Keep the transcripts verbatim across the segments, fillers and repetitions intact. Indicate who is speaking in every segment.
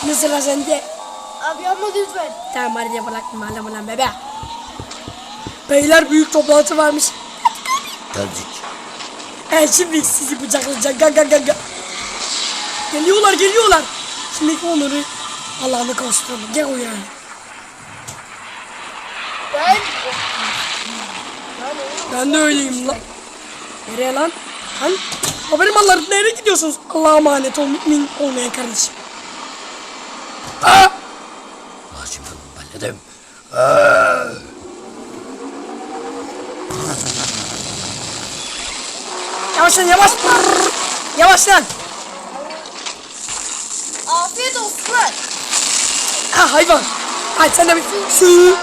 Speaker 1: Şimdi sıra sende.
Speaker 2: Abi yapma lütfen.
Speaker 1: Tamam hadi yapalım malum lan bebe. Beyler büyük toplantı varmış.
Speaker 3: Geldik.
Speaker 1: E şimdi sizi bıçaklayacak. Ga ga ga ga. Geliyorlar geliyorlar. Şimdi onları Allah'ını kavuşturalım. Gel uyan.
Speaker 2: Ben...
Speaker 1: Ben de öyleyim lan. Nereye lan? Lan haberim mallarım nereye gidiyorsunuz? Allah'a emanet ol mümin olmayan kardeşim. Aa!
Speaker 3: Hacım ben ne dedim? Aa!
Speaker 1: Yavaş lan yavaş. Yavaş lan.
Speaker 2: Afiyet olsun lan.
Speaker 1: Ha hayvan. Hadi sen de bir su.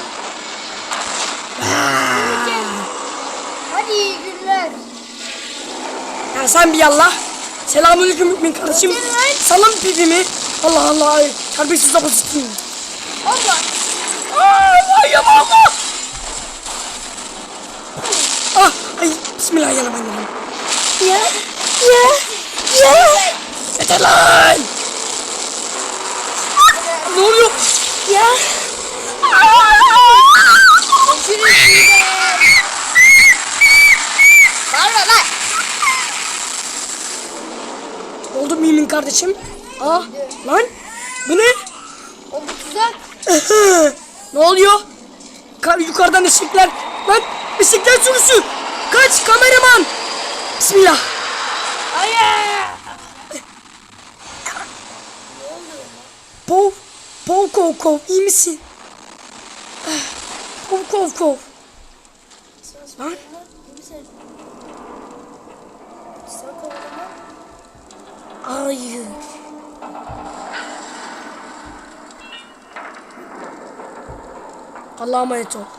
Speaker 2: Hadi iyi günler.
Speaker 1: Ya sen bir yallah. Selamünaleyküm mümin kardeşim. Salın pipimi. Allah Allah. Terbiyesiz abasısın.
Speaker 2: Allah.
Speaker 1: Allah ya Allah. Ah ay bismillahirrahmanirrahim.
Speaker 2: Ya. Ya. Ya.
Speaker 1: Yeter lan. Ne oluyor?
Speaker 2: Ya. Görüşürüz. Bağırma lan.
Speaker 1: Oldu mümin kardeşim. Ah lan. Bu ne?
Speaker 2: O bu tuzak.
Speaker 1: Ne oluyor? Ka yukarıdan ışıklar. Lan bisiklet sürüsü. Kaç kameraman. Bismillah.
Speaker 2: Hayır.
Speaker 1: Pov. Pov kov kov. İyi misin? Pov kov kov. Lan. Hayır. Allah'a emanet ol.